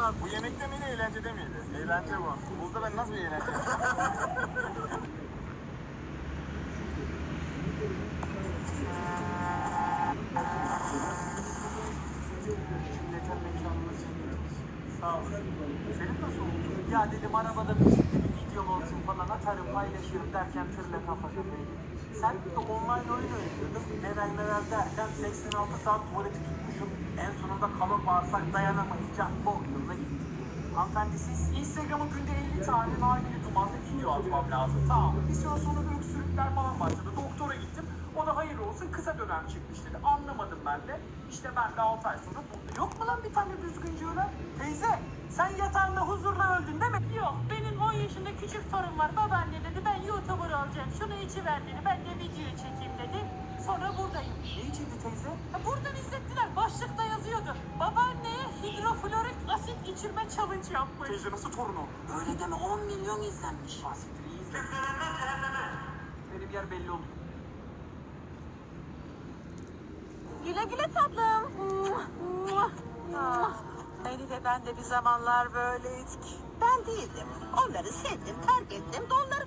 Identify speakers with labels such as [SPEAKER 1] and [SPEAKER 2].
[SPEAKER 1] anlat.
[SPEAKER 2] Bu yemekte miydi, eğlencede miydi? Eğlence bu. Buzda ben nasıl bir eğlence?
[SPEAKER 1] Cümleten mekanına çekiyoruz. Sağ olun.
[SPEAKER 2] Senin nasıl oldu?
[SPEAKER 1] Ya dedim arabada müzikli bir videom olsun falan atarım paylaşırım derken tırla kafa kafaya gittim. Sen de online oyun oynuyordun. Neler derken 86 saat tuvaleti tutmuşum. En sonunda kalın bağırsak dayanamayınca bok yoluna gittim. Hanımefendi siz Instagram'a günde 50 tane nargile dumanlı video atmam lazım. Tamam. Bir süre sonra öksürükler falan başladı. Doktora gittim. O da hayır olsun kısa dönem çıkmış dedi. Anlamadım ben de. İşte ben de 6 ay sonra burada. Yok mu lan bir tane düzgünce ölen? Teyze sen yatağında huzurla öldün değil mi?
[SPEAKER 3] Yok, benim 10 yaşında küçük torun var. Babaanne dedi, ben YouTuber olacağım. Şunu içiver dedi. Ben de video çekeyim dedi. Sonra buradayım.
[SPEAKER 1] Ne içindi teyze?
[SPEAKER 3] Buradan izlettiler. Başlıkta yazıyordu. Babaanneye hidroflorik asit içirme challenge yapmış.
[SPEAKER 2] Teyze nasıl torunu?
[SPEAKER 3] Öyle deme, 10 milyon izlenmiş.
[SPEAKER 1] Bahsettir iyi izle. Benim yer belli oldu.
[SPEAKER 3] Güle güle tatlım. Beni de ben de bir zamanlar böyleydik.
[SPEAKER 4] Ben değildim. Onları sevdim, terk ettim, donları